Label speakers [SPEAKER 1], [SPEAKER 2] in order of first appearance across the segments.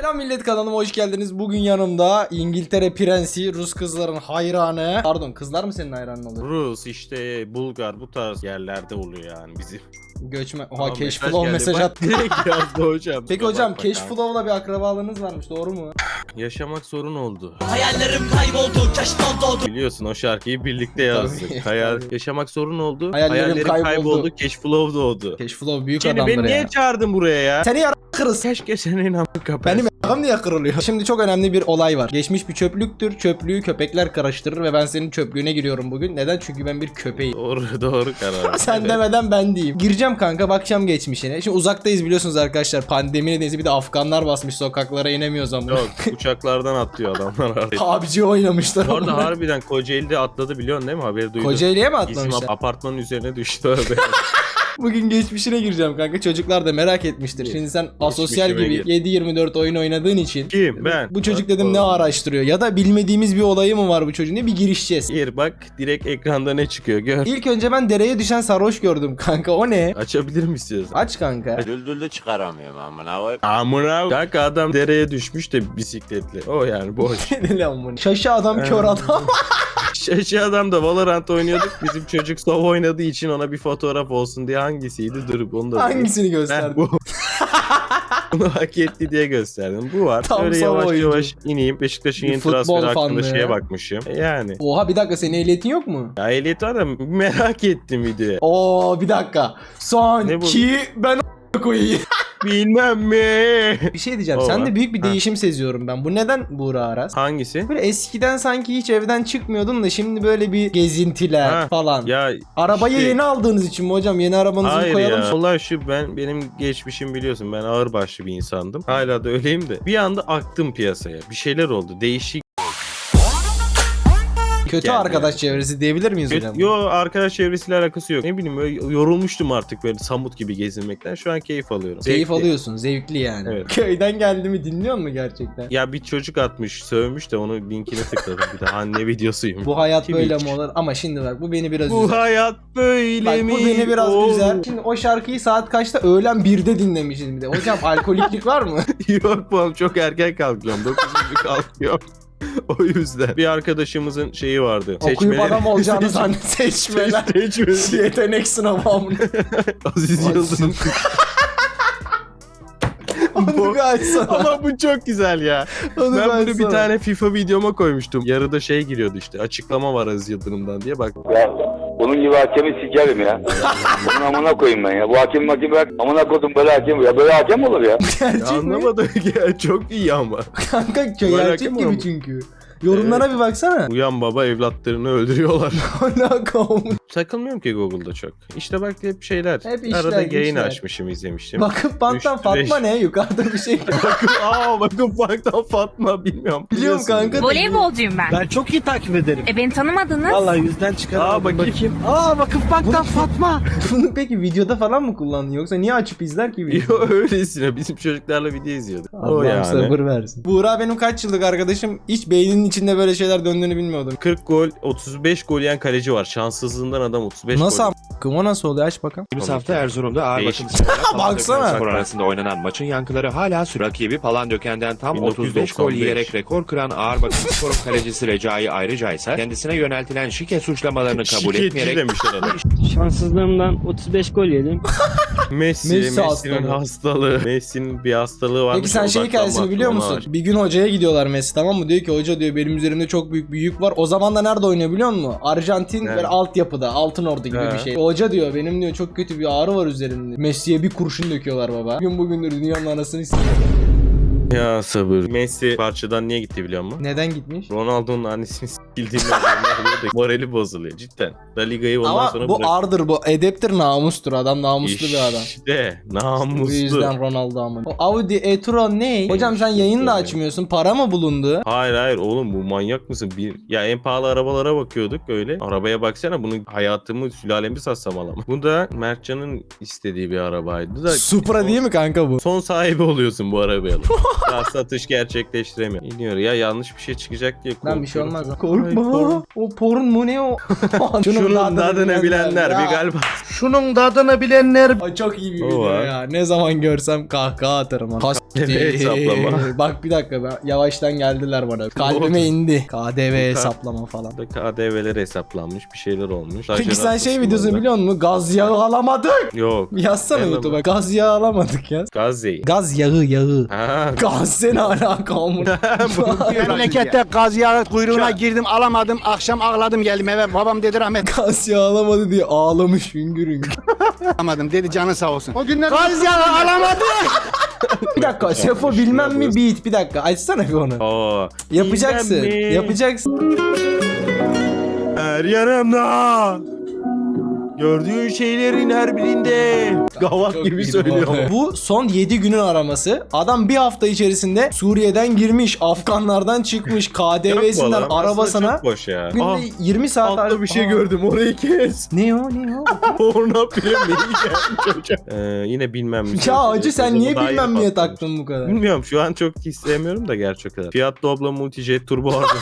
[SPEAKER 1] Selam millet, kanalıma hoş geldiniz. Bugün yanımda İngiltere prensi, Rus kızların hayranı. Pardon, kızlar mı senin hayranın oluyor?
[SPEAKER 2] Rus işte Bulgar bu tarz yerlerde oluyor yani bizim.
[SPEAKER 1] Göçmen. Oha,
[SPEAKER 2] Aa,
[SPEAKER 1] Cashflow mesaj
[SPEAKER 2] bak,
[SPEAKER 1] at.
[SPEAKER 2] direkt yazdı hocam.
[SPEAKER 1] Peki hocam, Cashflow'la bir akrabalığınız varmış, doğru mu?
[SPEAKER 2] Yaşamak sorun oldu.
[SPEAKER 3] Hayallerim kayboldu, keşften doğdu.
[SPEAKER 2] Biliyorsun o şarkıyı birlikte yazdık.
[SPEAKER 1] Tabii.
[SPEAKER 2] Yaşamak sorun oldu.
[SPEAKER 1] Hayallerim kayboldu.
[SPEAKER 2] Cashflow doğdu.
[SPEAKER 1] Cashflow büyük
[SPEAKER 2] Seni
[SPEAKER 1] adamdır
[SPEAKER 2] beni
[SPEAKER 1] ya.
[SPEAKER 2] niye çağırdın buraya ya?
[SPEAKER 1] Seni kırız.
[SPEAKER 2] Keşke senin amı kapat.
[SPEAKER 1] Benim a**ım niye kırılıyor? Şimdi çok önemli bir olay var. Geçmiş bir çöplüktür. Çöplüğü köpekler karıştırır ve ben senin çöplüğüne giriyorum bugün. Neden? Çünkü ben bir köpeğim.
[SPEAKER 2] Doğru karar.
[SPEAKER 1] Sen
[SPEAKER 2] Evet.
[SPEAKER 1] demeden ben diyeyim. Gireceğim kanka, bakacağım geçmişine. Şimdi uzaktayız biliyorsunuz arkadaşlar. Pandemi nedeniyle bir de Afganlar basmış, sokaklara inemiyoruz ama.
[SPEAKER 2] Yok, uçaklardan atlıyor adamlar artık.
[SPEAKER 1] PUBG oynamışlar.
[SPEAKER 2] Orada
[SPEAKER 1] onlar.
[SPEAKER 2] harbiden Kocaeli'de atladı, biliyorsun değil mi? Haberi duydun.
[SPEAKER 1] Kocaeli'ye mi
[SPEAKER 2] Bizim
[SPEAKER 1] atlamışlar?
[SPEAKER 2] apartmanın üzerine düştü öyle.
[SPEAKER 1] Bugün geçmişine gireceğim kanka. Çocuklar da merak etmiştir. Şimdi sen asosyal
[SPEAKER 2] Geçmişime
[SPEAKER 1] gibi 7-24 oyun oynadığın için.
[SPEAKER 2] Kim? Ben.
[SPEAKER 1] Bu çocuk
[SPEAKER 2] Bak,
[SPEAKER 1] dedim ne
[SPEAKER 2] oğlum.
[SPEAKER 1] araştırıyor? Ya da bilmediğimiz bir olayı mı var bu çocuğun diye bir girişeceğiz.
[SPEAKER 2] Gir bak, direkt ekranda ne çıkıyor gör.
[SPEAKER 1] İlk önce ben dereye düşen sarhoş gördüm kanka. O ne?
[SPEAKER 2] Açabilir mi istiyorsan?
[SPEAKER 1] Aç kanka.
[SPEAKER 4] Düldülü çıkaramıyorum amına koyayım.
[SPEAKER 2] Amına kanka, adam dereye düşmüş de bisikletle. O yani boş.
[SPEAKER 1] Ne lan bu? Şaşı adam, kör adam.
[SPEAKER 2] Şaşı adam da Valorant oynuyorduk. Bizim çocuk Sov oynadığı için ona bir fotoğraf olsun diye hangisiydi? Durup onu da
[SPEAKER 1] Hangisini
[SPEAKER 2] Ben
[SPEAKER 1] gösterdin?
[SPEAKER 2] bu. Bunu hak etti diye gösterdim. Bu var.
[SPEAKER 1] Tam
[SPEAKER 2] Böyle
[SPEAKER 1] Sov
[SPEAKER 2] yavaş
[SPEAKER 1] oyuncu.
[SPEAKER 2] yavaş ineyim. Beşiktaş'ın
[SPEAKER 1] Bir
[SPEAKER 2] yeni
[SPEAKER 1] futbol
[SPEAKER 2] transferi hakkında
[SPEAKER 1] fanlığı
[SPEAKER 2] şeye
[SPEAKER 1] ya.
[SPEAKER 2] bakmışım. Yani.
[SPEAKER 1] Oha, bir dakika, senin ehliyetin yok mu?
[SPEAKER 2] Ya ehliyet var da merak ettim videoyu.
[SPEAKER 1] Oo, bir dakika. Son
[SPEAKER 2] Ne bu?
[SPEAKER 1] ki ben koyayım.
[SPEAKER 2] Bilmem mi?
[SPEAKER 1] Bir şey diyeceğim.
[SPEAKER 2] O
[SPEAKER 1] Sen
[SPEAKER 2] var.
[SPEAKER 1] de büyük bir
[SPEAKER 2] Ha.
[SPEAKER 1] değişim seziyorum ben. Bu neden Buğra Aras?
[SPEAKER 2] Hangisi?
[SPEAKER 1] Böyle eskiden sanki hiç evden çıkmıyordun da şimdi böyle bir gezintiler
[SPEAKER 2] Ha,
[SPEAKER 1] falan.
[SPEAKER 2] Ya
[SPEAKER 1] Arabayı
[SPEAKER 2] işte-
[SPEAKER 1] yeni aldığınız için mi hocam? Yeni arabanızı
[SPEAKER 2] Hayır
[SPEAKER 1] koyalım.
[SPEAKER 2] ya. Olay şu, benim geçmişim biliyorsun, ben ağırbaşlı bir insandım. Hala da öyleyim de. Bir anda aktım piyasaya. Bir şeyler oldu. Değişik.
[SPEAKER 1] Kötü
[SPEAKER 2] geldi
[SPEAKER 1] arkadaş çevresi diyebilir miyiz hocam?
[SPEAKER 2] Yo, arkadaş çevresiyle alakası yok. Ne bileyim, öyle yorulmuştum artık böyle samut gibi gezinmekten. Şu an keyif alıyorum.
[SPEAKER 1] Keyif
[SPEAKER 2] Zevkli.
[SPEAKER 1] alıyorsun. Zevkli yani.
[SPEAKER 2] Evet.
[SPEAKER 1] Köyden geldi mi dinliyor musun gerçekten?
[SPEAKER 2] Ya bir çocuk atmış, sövmüş de onu linkine tıkladım. Bir de anne videosuyum.
[SPEAKER 1] Bu hayat
[SPEAKER 2] Twitch.
[SPEAKER 1] böyle mi olur? Ama şimdi bak, bu beni biraz
[SPEAKER 2] Bu
[SPEAKER 1] üzer.
[SPEAKER 2] hayat böyle
[SPEAKER 1] Bak,
[SPEAKER 2] mi?
[SPEAKER 1] bu beni biraz
[SPEAKER 2] Oo.
[SPEAKER 1] üzer. Şimdi o şarkıyı saat kaçta? Öğlen 1'de dinlemişiz bir de. Hocam alkoliklik var mı?
[SPEAKER 2] Yok bu, çok erken kalkıyorum. 9 gibi kalkıyorum. O yüzden. Bir arkadaşımızın şeyi vardı.
[SPEAKER 1] Okuyup adam olacağını zannet seçmeler.
[SPEAKER 2] Seçmeli.
[SPEAKER 1] Yetenek sınavı amına.
[SPEAKER 2] Aziz Yıldırım.
[SPEAKER 1] Onu bir açsana.
[SPEAKER 2] Ama bu çok güzel ya.
[SPEAKER 1] Onu
[SPEAKER 2] Ben bunu bir
[SPEAKER 1] açsana.
[SPEAKER 2] tane FIFA videoma koymuştum. Yarıda şey giriyordu işte. Açıklama var Aziz Yıldırım'dan diye, bak.
[SPEAKER 5] Ya bunun gibi hakemi sikerim ya. Bunun amına koyayım ben ya. Bu hakem bak amına koydum, böyle hakem ya. Böyle hakem olur ya.
[SPEAKER 1] Gerçek mi?
[SPEAKER 2] Anlamadım ya, çok iyi ama.
[SPEAKER 1] Kanka
[SPEAKER 2] Böyle
[SPEAKER 1] gerçek
[SPEAKER 2] hakem
[SPEAKER 1] gibi
[SPEAKER 2] olur mu?
[SPEAKER 1] çünkü. Yorumlara bir baksana.
[SPEAKER 2] Uyan baba, evlatlarını öldürüyorlar.
[SPEAKER 1] Alakam.
[SPEAKER 2] Takılmıyorum ki Google'da çok. İşte bak, hep şeyler.
[SPEAKER 1] Hep işler,
[SPEAKER 2] Arada yayın
[SPEAKER 1] güçler.
[SPEAKER 2] açmışım, izlemiştim.
[SPEAKER 1] Bakıp banttan
[SPEAKER 2] Üç,
[SPEAKER 1] Fatma
[SPEAKER 2] beş.
[SPEAKER 1] ne? Yukarıda bir şey.
[SPEAKER 2] Bakın Bank'tan Fatma, bilmiyorum.
[SPEAKER 1] Biliyorum
[SPEAKER 2] Biliyorsun.
[SPEAKER 1] kanka.
[SPEAKER 6] Voleybolcuyum ben.
[SPEAKER 7] Ben çok iyi takip ederim.
[SPEAKER 6] Beni tanımadınız.
[SPEAKER 7] Vallahi yüzden çıkaramadım.
[SPEAKER 2] Bakayım.
[SPEAKER 7] Aa Vakıfbank'tan Fatma.
[SPEAKER 1] Bunu peki videoda falan mı kullandın, yoksa niye açıp izler ki video?
[SPEAKER 2] Yo, öylesine bizim çocuklarla video izliyorduk. O
[SPEAKER 1] Allah'ım
[SPEAKER 2] yani.
[SPEAKER 1] sabır versin. Buğra benim kaç yıllık arkadaşım, hiç beyninin içinde böyle şeyler döndüğünü bilmiyordum.
[SPEAKER 2] 40 gol, 35 gol yiyen kaleci var. Şanssızlığından adam 35
[SPEAKER 1] Nasıl
[SPEAKER 2] gol.
[SPEAKER 1] a**kım, o nasıl oluyor, aç bakalım.
[SPEAKER 8] Geçtiğimiz hafta Erzurum'da ağır
[SPEAKER 2] Değişik.
[SPEAKER 8] bakım sporuyla
[SPEAKER 1] Baksana.
[SPEAKER 8] Palandöken Spor arasında oynanan maçın yankıları hala sürüyor. Rakibi Palandöken'den tam 35 gol
[SPEAKER 2] 1995.
[SPEAKER 8] yiyerek rekor kıran ağır bakım sporun kalecisi Recai ayrıca ise kendisine yöneltilen şike suçlamalarını kabul
[SPEAKER 2] Şikayetçi
[SPEAKER 8] etmeyerek
[SPEAKER 2] demişler adam.
[SPEAKER 7] Şanssızlığımdan 35 gol yedim.
[SPEAKER 2] Messi'nin
[SPEAKER 1] hastalığı.
[SPEAKER 2] hastalığı. Messi'nin bir hastalığı varmış.
[SPEAKER 1] Peki sen şey hikayesini biliyor musun? Bir gün hocaya gidiyorlar Messi, tamam mı? Diyor ki hoca, diyor, benim üzerimde çok büyük bir yük var. O zaman da nerede oynuyor biliyor musun? Arjantin
[SPEAKER 2] Nerede?
[SPEAKER 1] böyle altyapıda, Altınordu gibi
[SPEAKER 2] He.
[SPEAKER 1] bir şey. Hoca diyor, benim diyor çok kötü bir ağrı var üzerimde. Messi'ye bir kurşun döküyorlar baba. Bugündür dünyanın anasını s***.
[SPEAKER 2] Ya sabır. Messi parçadan niye gitti biliyor musun?
[SPEAKER 1] Neden gitmiş?
[SPEAKER 2] Ronaldo'nun annesini s***bildiğinden morali bozuluyor cidden. La Liga'yı ondan
[SPEAKER 1] Ama
[SPEAKER 2] sonra
[SPEAKER 1] bu ardır, bu edeptir, namustur. Adam namuslu bir adam.
[SPEAKER 2] İşte
[SPEAKER 1] Bu
[SPEAKER 2] namuslu.
[SPEAKER 1] yüzden Ronaldo amına. O Audi e-tron ne? Hocam sen yayın da açmıyorsun. Para mı bulundu?
[SPEAKER 2] Hayır oğlum, bu manyak mısın? Ya en pahalı arabalara bakıyorduk öyle. Arabaya baksana, bunu hayatımı sülalemi satsam alamam. Bu da Mertcan'ın istediği bir arabaydı da.
[SPEAKER 1] Supra değil mi kanka bu?
[SPEAKER 2] Son sahibi oluyorsun bu arabaya. Daha satış gerçekleştiremiyor. İniyor ya, yanlış bir şey çıkacak diye korkuyorum.
[SPEAKER 1] Lan bir şey olmaz lan.
[SPEAKER 2] Ay,
[SPEAKER 1] Korkma. O porn mu ne o?
[SPEAKER 2] Şunun tadını bilenler
[SPEAKER 1] ya.
[SPEAKER 2] bir galiba.
[SPEAKER 7] Şunun tadını bilenler.
[SPEAKER 1] Ay, çok iyi bir
[SPEAKER 2] O
[SPEAKER 1] video
[SPEAKER 2] var.
[SPEAKER 1] ya. Ne zaman görsem kahkaha atarım.
[SPEAKER 2] KDV hesaplama.
[SPEAKER 1] Bak bir dakika yavaştan geldiler bana. Kalbime indi. KDV hesaplama falan.
[SPEAKER 2] KDV'ler hesaplanmış, bir şeyler olmuş.
[SPEAKER 1] Peki sen şey
[SPEAKER 2] Stajyer
[SPEAKER 1] videosunu
[SPEAKER 2] hastasında.
[SPEAKER 1] biliyor musun? Gaz yağı alamadık.
[SPEAKER 2] Yok.
[SPEAKER 1] Yazsana
[SPEAKER 2] Elama.
[SPEAKER 1] YouTube'a. Gaz yağı alamadık ya.
[SPEAKER 2] Gazze'yi.
[SPEAKER 1] Gaz yağı.
[SPEAKER 2] Ha.
[SPEAKER 1] Gaz seni alaka amına.
[SPEAKER 7] Memlekette gaz yağı kuyruğuna girdim alamadım. Akşam ağladım geldim eve. Babam dedi rahmet
[SPEAKER 1] Gaz yağı alamadı diye ağlamış hüngür hüngür.
[SPEAKER 7] alamadım. Dedi canın sağ olsun. O günler gaz yağı alamadım.
[SPEAKER 1] Bir dakika Sefo bilmem mi beat. Bir dakika açsana bir onu.
[SPEAKER 2] Oo.
[SPEAKER 1] Yapacaksın.
[SPEAKER 2] Bilmem mi?
[SPEAKER 1] Yapacaksın.
[SPEAKER 2] Her yanımda. Gördüğün şeylerin her birinde. Gavak
[SPEAKER 1] Çok
[SPEAKER 2] gibi
[SPEAKER 1] iyiydi
[SPEAKER 2] söylüyor.
[SPEAKER 1] bu arada. Bu son 7 günün araması. Adam bir hafta içerisinde Suriye'den girmiş, Afganlardan çıkmış, KDV'sinden
[SPEAKER 2] Yapma lan,
[SPEAKER 1] arabasına.
[SPEAKER 2] aslında çok boş ya.
[SPEAKER 1] Günde 20 saat
[SPEAKER 2] Altta bir şey
[SPEAKER 1] Aa.
[SPEAKER 2] gördüm, orayı kes.
[SPEAKER 1] Ne o ne o?
[SPEAKER 2] Porno filmi çocuğa. Yine bilmem mi.
[SPEAKER 1] Ya acı sen niye
[SPEAKER 2] Daha
[SPEAKER 1] bilmem
[SPEAKER 2] yeni
[SPEAKER 1] niye
[SPEAKER 2] patlamış.
[SPEAKER 1] taktın bu kadar?
[SPEAKER 2] Bilmiyorum, şu an çok istemiyorum da gerçek kadar. Fiat Doblo Multijet turbo arabası.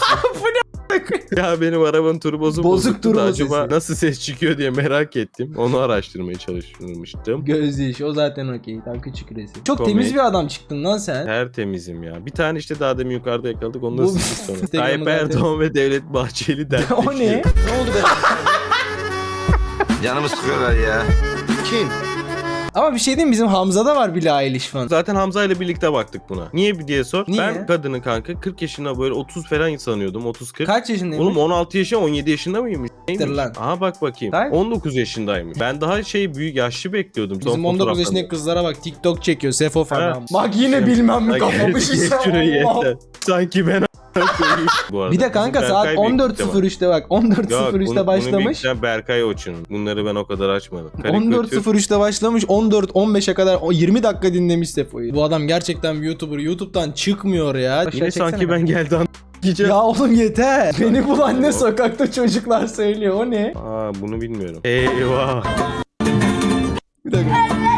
[SPEAKER 2] Ya benim arabanın turbosu
[SPEAKER 1] Bozuk
[SPEAKER 2] bozuktu
[SPEAKER 1] turbo
[SPEAKER 2] da acaba
[SPEAKER 1] sesi.
[SPEAKER 2] nasıl ses çıkıyor diye merak ettim. Onu araştırmaya çalışmıştım.
[SPEAKER 1] Gözyaşı o zaten okey. Tam küçük resim. Çok
[SPEAKER 2] Komik.
[SPEAKER 1] temiz bir adam çıktın lan sen.
[SPEAKER 2] Tertemizim ya. Bir tane işte daha demin yukarıda yakaladık. Onu da
[SPEAKER 1] Bu-
[SPEAKER 2] sildik sonra.
[SPEAKER 1] Instagram'da
[SPEAKER 2] Tayyip Erdoğan ve Devlet Bahçeli dertleşiyor.
[SPEAKER 1] O ne? Ne oldu be?
[SPEAKER 4] Canımı sıkıyorlar ya.
[SPEAKER 7] Kim?
[SPEAKER 1] Ama bir şey diyeyim bizim Hamza'da var Billie Eilish falan.
[SPEAKER 2] Zaten Hamza ile birlikte baktık buna. Niye diye sor.
[SPEAKER 1] Niye?
[SPEAKER 2] Ben kadını kanka 40 yaşında böyle 30 falan sanıyordum. 30-40.
[SPEAKER 1] Kaç yaşındaymış?
[SPEAKER 2] Oğlum 16 yaşında 17 yaşında mıymış? Neymiş?
[SPEAKER 1] lan.
[SPEAKER 2] Aha bak bakayım.
[SPEAKER 1] Kaç?
[SPEAKER 2] 19 yaşındaymış. Ben daha büyük yaşlı bekliyordum. Son
[SPEAKER 1] Bizim 19
[SPEAKER 2] fotoğraftan.
[SPEAKER 1] yaşındaki kızlara bak TikTok çekiyor Sefo falan.
[SPEAKER 2] Ha.
[SPEAKER 1] Bak yine bilmem mi
[SPEAKER 2] Ay,
[SPEAKER 1] kafamı
[SPEAKER 2] geç
[SPEAKER 1] şişe.
[SPEAKER 2] şurayı yeter. Sanki ben Bu arada
[SPEAKER 1] Bir de kanka
[SPEAKER 2] bizim
[SPEAKER 1] saat
[SPEAKER 2] Berkay büyüktü ama.
[SPEAKER 1] 14.03'te bak. 14.03'te başlamış.
[SPEAKER 2] Bunu Berkay Oçun. Bunları ben o kadar açmadım. Karikatür.
[SPEAKER 1] 14.03'te başlamış. 14-15'e kadar o 20 dakika dinlemiş Sefo'yu. Bu adam gerçekten bir YouTuber. YouTube'dan çıkmıyor ya.
[SPEAKER 2] Yine sanki ben geldi diyeceğim.
[SPEAKER 1] Ya oğlum yeter. Beni bul anne sokakta çocuklar söylüyor. O ne?
[SPEAKER 2] Aa bunu bilmiyorum. Eyvah.
[SPEAKER 1] Bir dakika.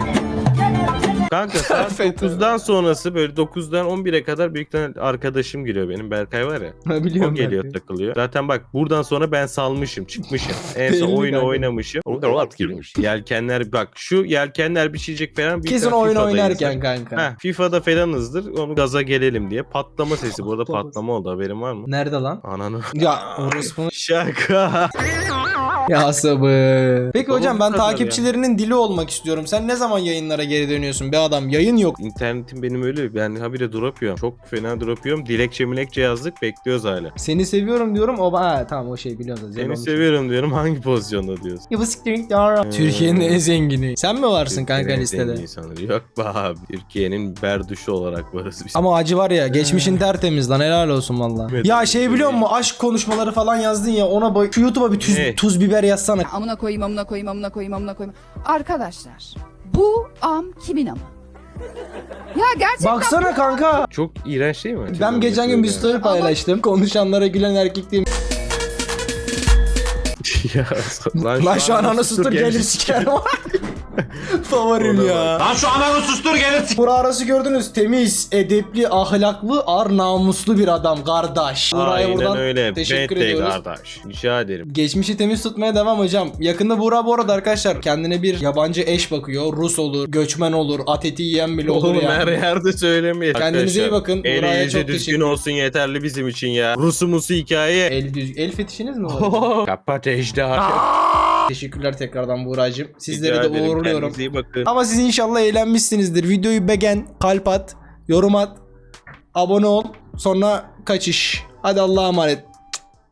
[SPEAKER 2] Kanka saat
[SPEAKER 1] FETÖ.
[SPEAKER 2] 9'dan sonrası böyle 9'dan 11'e kadar büyük tane arkadaşım giriyor benim. Berkay var ya.
[SPEAKER 1] Ha,
[SPEAKER 2] O
[SPEAKER 1] biliyorum
[SPEAKER 2] geliyor
[SPEAKER 1] ben.
[SPEAKER 2] takılıyor. Zaten bak buradan sonra ben salmışım çıkmışım. En son
[SPEAKER 1] Belli
[SPEAKER 2] oyunu
[SPEAKER 1] kanka.
[SPEAKER 2] oynamışım. Yelkenler bak şu yelkenler biçecek falan. bir
[SPEAKER 1] Kesin
[SPEAKER 2] tane
[SPEAKER 1] oyun
[SPEAKER 2] FIFA'dayız.
[SPEAKER 1] oynarken kanka.
[SPEAKER 2] Heh, FIFA'da falanızdır. Onu gaza gelelim diye. Patlama sesi. Burada patlama oldu. Haberin var mı?
[SPEAKER 1] Nerede lan?
[SPEAKER 2] Ananı.
[SPEAKER 1] Ya orospu.
[SPEAKER 2] Şaka.
[SPEAKER 1] Ya sabır. Peki
[SPEAKER 2] Oğlum,
[SPEAKER 1] hocam
[SPEAKER 2] bu
[SPEAKER 1] ben
[SPEAKER 2] kadar
[SPEAKER 1] takipçilerinin dili olmak istiyorum. Sen ne zaman yayınlara geri dönüyorsun be adam? Yayın yok.
[SPEAKER 2] İnternetim benim öyle. Ben habire drop yiyorum. Çok fena drop yiyorum. Dilekçe milekçe yazdık. Bekliyoruz hala.
[SPEAKER 1] Seni seviyorum diyorum. O ha tamam o şey biliyorum.
[SPEAKER 2] Seni seviyorum diyorum. Hangi pozisyonda diyorsun?
[SPEAKER 1] Ya bu siktir ya. Türkiye'nin en zengini. Sen mi varsın kanka
[SPEAKER 2] Türkiye'nin
[SPEAKER 1] listede?
[SPEAKER 2] zengin insanları. Yok be abi. Türkiye'nin berduşu olarak varız biz.
[SPEAKER 1] Ama acı var ya geçmişin tertemiz lan helal olsun valla.
[SPEAKER 2] Evet.
[SPEAKER 1] Ya şey biliyor musun aşk konuşmaları falan yazdın ya ona bak şu YouTube'a bir
[SPEAKER 2] Ne?
[SPEAKER 1] tuz biber yazsana.
[SPEAKER 6] Amına koyayım, amına koyayım, amına koyayım, amına koyayım. Arkadaşlar, bu am kimin amı? Ya gerçekten
[SPEAKER 1] Baksana kanka.
[SPEAKER 2] Çok iğrenç değil mi?
[SPEAKER 1] Ben geçen gün bir story paylaştım. Konuşanlara gülen erkek diye.
[SPEAKER 2] Ya,
[SPEAKER 1] Lan şu an ana sustur gelir sikerim. Favorim ya.
[SPEAKER 3] Lan şu ananı sustur gelir
[SPEAKER 1] Bura arası gördünüz. Temiz, edepli, ahlaklı, ar namuslu bir adam kardeş. Buraya
[SPEAKER 2] Aynen
[SPEAKER 1] buradan
[SPEAKER 2] öyle.
[SPEAKER 1] teşekkür
[SPEAKER 2] Bete
[SPEAKER 1] ediyoruz.
[SPEAKER 2] kardeş. Rica ederim.
[SPEAKER 1] Geçmişi temiz tutmaya devam hocam. Yakında Buğra bu arada arkadaşlar kendine bir yabancı eş bakıyor. Rus olur, göçmen olur, at eti yiyen bile olur
[SPEAKER 2] Oğlum
[SPEAKER 1] ya.
[SPEAKER 2] her yerde söylemeyin.
[SPEAKER 1] Kendinize iyi bakın. Buraya
[SPEAKER 2] Elinize
[SPEAKER 1] çok
[SPEAKER 2] düzgün
[SPEAKER 1] teşekkür-
[SPEAKER 2] olsun yeterli bizim için ya. Rusumusu hikaye.
[SPEAKER 1] El fetişiniz mi var?
[SPEAKER 2] Kapat ejder.
[SPEAKER 1] Teşekkürler tekrardan Buğra'cığım. Sizleri
[SPEAKER 2] Rica
[SPEAKER 1] de
[SPEAKER 2] ederim,
[SPEAKER 1] uğurluyorum.
[SPEAKER 2] kendinize iyi bakın.
[SPEAKER 1] Ama siz inşallah eğlenmişsinizdir. Videoyu beğen, kalp at, yorum at, abone ol. Sonra kaçış. Hadi Allah'a emanet.